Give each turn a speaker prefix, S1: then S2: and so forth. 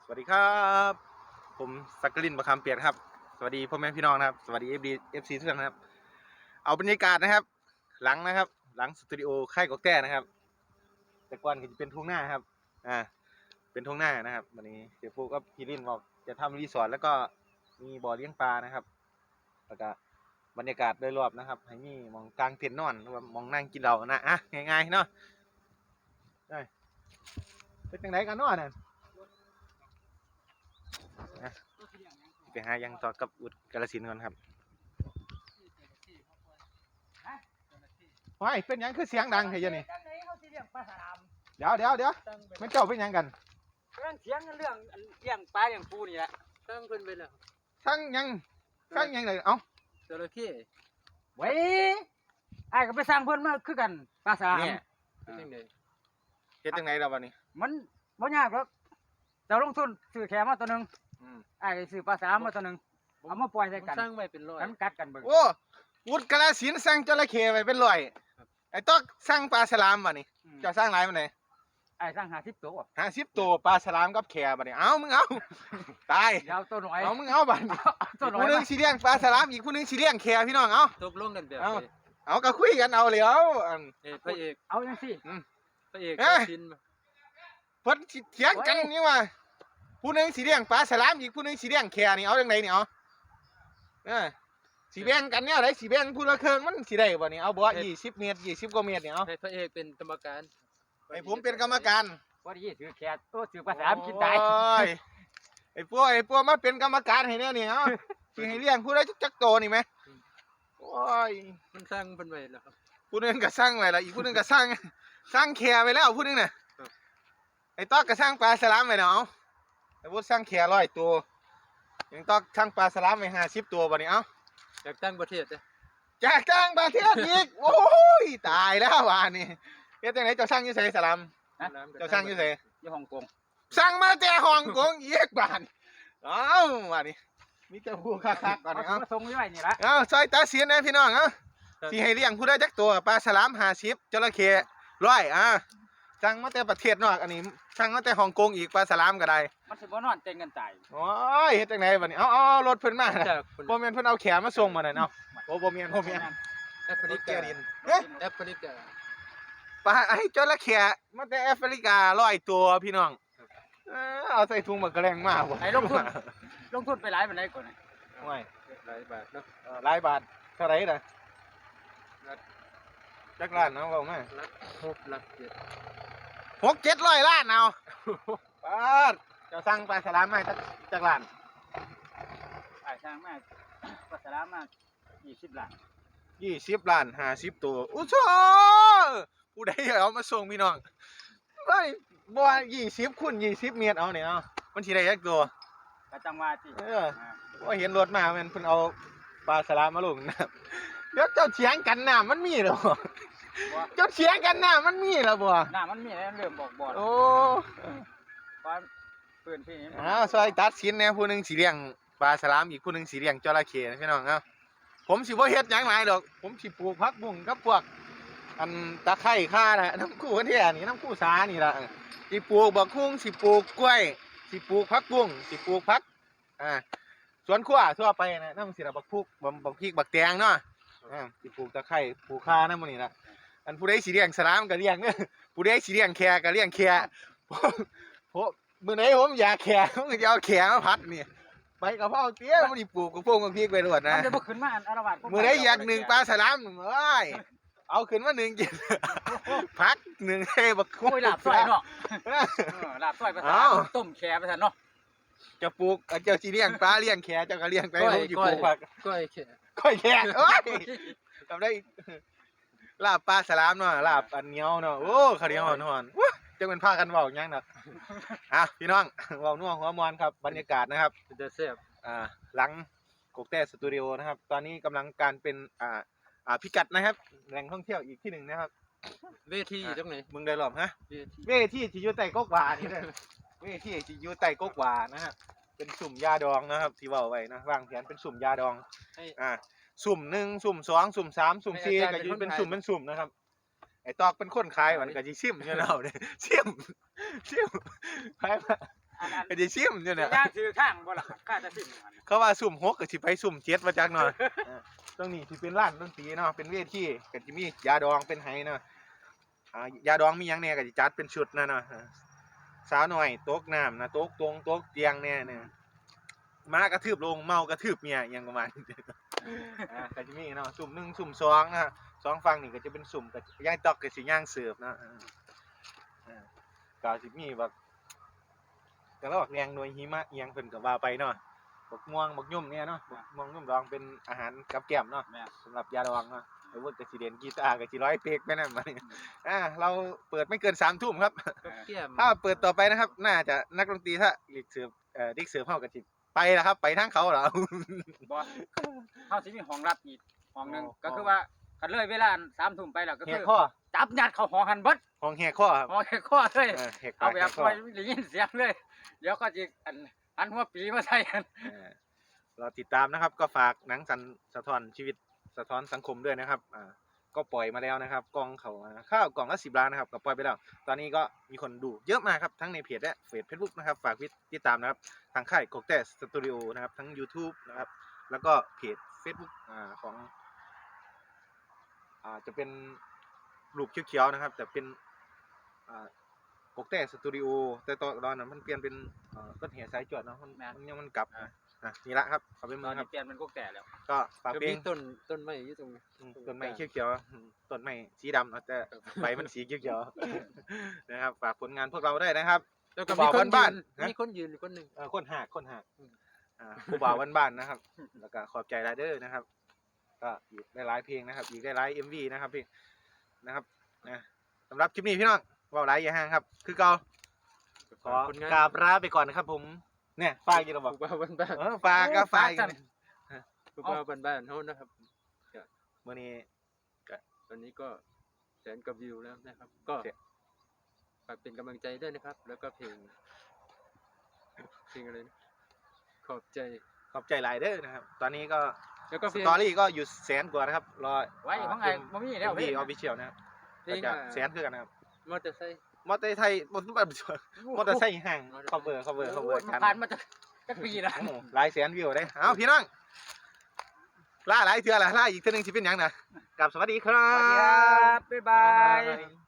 S1: สวัสดีครับผมสักกลินประคำเปียกครับสวัสดีพ่อแม่พี่น้องนะครับสวัสดีเอฟซีทุกท่านนะครับเอาบรรยากาศนะครับหลังนะครับหลังสตูดิโอค่ายกอกแต้นะครับแต่ก่อนก็จะเป็นทุ่งหน้าครับเป็นทุ่งหน้านะครับวันนี้เสียฟูก็พี่ลินบอกจะทำรีสอร์ทแล้วก็มีบ่อเลี้ยงปลานะครับแล้วก็บรรยากาศโดยรอบนะครับให้มีมองกลางเต็นท์นอนหรือว่ามองนั่งกินเหล้านะง่ายๆเนาะได้เป็นจังไดกันเนาะเนี่ยไปหายังต่อกับอุดกาฬสินธุ์ก่อนครับว้ายเป็นยังคือเสียงดังเฮ้ยนี่เดี๋ยวมันเจ้าเป็นยังกัน
S2: เรื่องเถียงกันเรื่องเลี้ยงปลาเลี้ยงปูนี่แหละตั้งเพิ่นไปแล้ว
S1: ทั้งยังเลยเอ้า
S2: จระเข้ไว้ไอ้ก็ไปสร้างเพิ่นมาคือกันปลาสาม
S1: เนี่ยเฮ็ดจังไดเราวันนี้
S2: มันบ่ยากหรอกเจ้าลงทุนซื้อแค่มาตัวนึงไอ้ซื้อปลาสามมาตัวนึงเอามาปล่อยใส่กัน
S3: สร้างไว้เป็นร้อย
S2: กันกัดกันเบิ่ง
S1: โอ้อุดกาฬสินธุ์สั่งจระเข้ไว้เป็นร้อยไอ้ต๊อกสั่งปลาฉลามบัดนี้เจ้าสั่งหลายปานใด
S2: ไอ้สร้าง50ตัว
S1: 50ตัวปลาฉลามกับแค่บัดนี้เอามึงเอาตาย
S2: ยาวตัวน้อย
S1: เอามึงเอาบัดนี้
S2: ตัวน้อย
S1: ผู้นึงสิเลี้ยงปลาฉลามอีกผู้นึงสิเลี้ยงแค่พี่น้องเอา
S3: ตกลงกันแบบ
S1: เอาก็คุยกันเอาเลยเอา
S3: พระเอก
S2: เอาจังซี่
S3: พระเอกชิน
S1: เพิ่นสิเถียงกันนี่ว่าผู้นึงสิเลี้ยงปลาฉลามอีกผู้นึงสิเลี้ยงแค่นี่เอาจังไดนี่เอาสิแบ่งกันเนี่ยได้สิแบ่งผู้ละครึ่งมันสิได้บ่นี่เอาบ่20 เมตร20กว่าเมตรนี่เอา
S3: ให้พระเอกเป็นกรรมการ
S1: ให้ผมเป็นกรรมการ
S2: บ่ได้ซื้อแค่ตัวซื้อปลาสามกินตาย
S1: ไอ้พวกมาเป็นกรรมการให้แน่นี่เอาสิให้เลี้ยงผู้ใดจักโตนี่มั้ยโอ้ย
S3: มันสร้างเพิ่นไว้แล้วครับ
S1: ผู้นึงก็สร้างไว้แล้วอีกผู้นึงก็สร้างแค่ไว้แล้วผู้นึงน่ะไอ้ต๊อกก็สร้างปลาฉลามไว้แล้วเอาไอ้พุสร้างแค่100ตัวยังต๊อกสร้างปลาฉลามไว้50ตัวบ่นี่เอา
S3: จากต่างประเทศเด้
S1: จากต่างประเทศอีกโอ้ยตายแล้วว่านี่เฮ็ดจังได๋เจ้าสร้างอยู่ไสสลามเจ้าสร้างอยู่ไส
S2: อยู่ฮ่องกง
S1: สร้างมาแต่ฮ่องกงอีกบ้านเอ้าว่านี่มีแต่ผู้คักๆก่อนเอา
S2: ส่งไว้นี่ล่ะ
S1: เอาซอยตาเสียนนะพี่น้องเอ้าสิให้เลี้ยงผู้ใดจักตัวปลาฉลาม50จระเข้100สั่งมาแต่ประเทศนอกอันนี้สั่งมาแต่ฮ่องกงอีกปลาฉลามก็ได้
S2: มันสิบ่นอนเต้นกันตาย
S1: โอ้ยเฮ็ดจังได๋บัดนี้เอารถเพิ่นมาบ่แม่นเพิ่นเอาแขนมาส่งมานั่นเนาะโอ้บ่แม่น
S3: แอฟริกาแอฟริกา
S1: ปลาไอ้จระเข้มาแต่แอฟริกา100ตัวพี่น้องเอาใส่ถุงมากระแรงมาบ่
S2: ไอ้ลงทุนไปหลายปานใดก่อนนี่
S1: โอ้ย
S3: หลายบาทเนาะ
S1: หลายบาทเท่าไหร่ล่ะจักล้านเอาเว้ามา6-700 ล้านเอาปาดเจ้าสั่งปลาฉลามมาจักล้าน
S2: ไอ้สร้างมาปลาฉลามมา20 ล้าน
S1: 20 ล้าน50ตัวอู้โธ่ผู้ใดเอามาส่งพี่น้องเฮ้ยบ่20คูณ20 เมตรเอาเนี่ยเอามันสิได้จักตัว
S2: ก็จังว่าติ
S1: บ่เห็นรถมาแม่นเพิ่นเอาปลาฉลามมาลงน้ำเดี๋ยวเจ้าเถียงกันน้ำมันมีเหรอเจ้าเถียงกันน้ำมันมีเหรอบ่
S2: น้ำมันมีแล้วเริ่มบอกบ่
S1: โอ้
S2: ความปืนพี่นี่
S1: ซอยตัดสินแน่ผู้นึงสิเลี้ยงปลาฉลามอีกผู้นึงสิเลี้ยงจระเข้นะพี่น้องเอ้าผมสิบ่เฮ็ดหยังหลายดอกผมสิปลูกผักบุ้งกับพวกอันตะไคร้ข่าน่ะน้ำกู้กันแท้นี่น้ำกู้สานี่ล่ะสิปลูกบักหุ่งสิปลูกกล้วยสิปลูกผักบุ้งสิปลูกผักสวนครัวทั่วไปนะนำสิล่ะบักพริกบักแตงเนาะสิปลูกตะไคร้ปลูกข่านำมื้อนี้ล่ะอันผู้ใดสิเลี้ยงฉลามก็เลี้ยงเด้อผู้ใดสิเลี้ยงแค่ก็เลี้ยงแค่ผมมื้อไหนผมอยากแค่ผมก็จะเอาแค่มาผัดนี่ไปกะเพราเตี้ยมันสิปลูกกับพวกกับพริกไปโลดนะ
S2: มันจะบ่ขึ้นมาอารวาส
S1: มื้อใดอยากนึ่งปลาฉลามเอ้ยเอาขึ้นมานึ่งกินพักนึ่งให้บักคุ้
S2: ยลาบซอยเนาะลาบซอยภาษาต้มแค่ภาษาเนาะ
S1: จะปลูกเจ้าสิเลี้ยงปลาเลี้ยงแค่เจ้าก็เลี้ยงไปผมสิปลูกผัก
S3: ก้อยแค่
S1: เอ้ยทำได้ลาบปลาฉลามเนาะลาบอันเหนียวเนาะโอ้ข้าวเหนียวหอนๆจังเป็นพากันเว้าหยังน่ะพี่น้องเว้านัวหัวมวนครับบรรยากาศนะครับ
S3: จะแซ่บ
S1: หลังกกแต้สตูดิโอนะครับตอนนี้กำลังการเป็นพิกัดนะครับแหล่งท่องเที่ยวอีกที่หนึ่งนะครับ
S3: เวทีตรงไหน
S1: มึงได้หรอฮะเวทีที่อยู่ใต้กกหวานี่นะเวทีที่อยู่ใต้กกหวานะฮะเป็นสุ่มยาดองนะครับที่เว้าไว้นะวางแผนเป็นสุ่มยาดองสุ่ม1สุ่ม2สุ่ม3สุ่ม4ก็อยู่เป็นสุ่มนะครับไอ้ตอกเป็นคนขายมันก็สิซิมอยู่แล้วเด้ซิมไป
S2: ไอ้
S1: ก็สิซิมอยู่เนี่ย
S2: ย่างถือข้างบ่ล่ะข้าจะซิมอันนั้น
S1: เขาว่าสุ่ม6ก็สิไปสุ่ม7มาจักหน่อยตรงนี้สิเป็นร้านดนตรีเนาะเป็นเวทีก็สิมียาดองเป็นไหเนาะยาดองมีหยังแหน่ก็สิจัดเป็นชุดนะเนาะสาวน้อยตกน้ำนะตกตรงตกเตียงแน่เนี่ยม้ากระทืบลงเมากระทืบเมียอหยังประมาณนี้ก็สิมีเนาะสุ่ม1สุ่ม2นะสองฝั่งนี่ก็จะเป็นสุ่มก็ย่างตอกก็สิย่างเสิร์ฟนะก็สิมีแบบก็แล้วแรงหน่วยหิมะอีหยังเพิ่นก็ว่าไปเนาะบักม่วงบักยุ่มเนี่ยเนาะบักม่วงยุ่มดองเป็นอาหารกับแกล้มเนาะสำหรับยาดองเนาะไอ้พวกก็สิเรียนกีตาร์ก็สิร้อยเพลงไปนั่นมาเนี่ยเราเปิดไม่เกิน3 ทุ่มครับ
S3: กับแก้ม
S1: ถ้าเปิดต่อไปนะครับ น่าจะนักดนตรีถ้าลีกเสิร์ฟลีกเสิร์ฟเฮาก็สิไปแล้วครับไปทางเขาเหรอ
S2: บ่เฮาสิมีห้องรับอีกห้องหนึงก็คือว่าคันเลยเวลา3 ทุ่มไปแล้วก็
S1: แห
S2: คื
S1: ก
S2: อ
S1: ข้อ
S2: จับยัดเข้าห้องหันเบิด
S1: ห้องแหกข้อครับ
S2: ห้องแค่ข้อเลย
S1: แหก
S2: เอา
S1: ปาก
S2: แบ
S1: แห
S2: บ
S1: กข้อ
S2: ไว้ได้ยินเสียงเลยเดี๋ยวก็สิอันหัวปีมาใส่กัน
S1: เราติดตามนะครับ ก็ฝากหนังสะท้อนชีวิตสะท้อนสังคมด้วยนะครับก็ปล่อยมาแล้วนะครับกล่องเขาข้าวกล่องละ10 ล้านนะครับก็ปล่อยไปแล้ว ตอนนี้ก็มีคนดูเยอะมากครับทั้งในเพจและเฟซบุ๊กนะครับฝากติดตามนะครับทางค่ายกกแต่สตูดิโอนะครับทั้ง YouTube นะครับแล้วก็เพจ Facebook ของจะเป็นรูปเขียวๆนะครับแต่เป็นกกแต่สตูดิโอแต่ตอนนั้นมันเปลี่ยนเป็นต้นเหตุสายจวดเนาะมันยังมันกลับนี่ละครับเอาไป
S2: ต
S1: เมื
S2: อ
S1: อน งค
S2: นี้
S1: รับ
S2: เปลี่ยนเป็นกุ๊กแต่แล้ว
S1: ก็ฝาก
S3: ก็
S1: เพล
S3: มี
S1: ง
S3: ต้นไม้อยู่ตรงนี้
S1: ต้นไม้เขียวๆต้นไม้สีดำแต่ใบมันสีเขียวๆนะครับฝากผลงานพวกเราได้นะครับ
S3: แล้วก็
S1: บ่าวบ้านๆ
S3: ๆมีคนยืนอยู่คนหนึง
S1: คนหักผู้บ่าวบ้านๆนะครับ แล้วก็ขอบใจรายเดอร์นะครับ ก็อีกได้หลายเพลงนะครับอีกได้หลาย MV นะครับพี่นะครับสำหรับคลิปนี้พี่น้องว่าหลายอย่าห่างครับ คือเก่าขอ
S3: คนงาน
S1: กราบลาไปก่อนนะครับผมเนี่ยฝากอยู่ระบอก
S3: ผู้บ่าวบ้าน
S1: ฝากก็ฝากอีก
S3: ๆผู้บ่าวบ้านๆเฮานะครับ
S1: มื้อนี้
S3: ตอนนี้ก็แสนกว่าวิวแล้วนะครับ ก็ฝากเป็นกำลังใจด้วยนะครับ แล้วก็เพลงอะไรนะขอบใจ
S1: ขอบใจหลายเด้อนะครับ ตอนนี้ก็
S3: แล้วก็
S1: ส
S3: เพลง
S1: ตอรี่ก็อยู่แสนกว่านะครับรอ
S2: ไว้ของไอ้บ่มีแล้ว
S1: MV
S2: เว้ย
S1: Official นะครับ
S3: เพลง
S1: ก็จะแสนคือกันนะครับ
S3: มอเตอร์ไซค์
S1: มอเตอร์ไซค์มอเตอร์ไซค์ห่าง cover
S2: โอ้
S1: กัน
S2: ผ่านมาจะปีแล้ว
S1: โอ้โหหลายแสนวิวได้เอาพี่น้องล่าหลายเทื่อละล่าอีกเทื่อนึงสิเป็นหยังนะกลับสวัสดีครั
S2: สวัสดีครับ
S1: บ
S2: บ๊ายบาย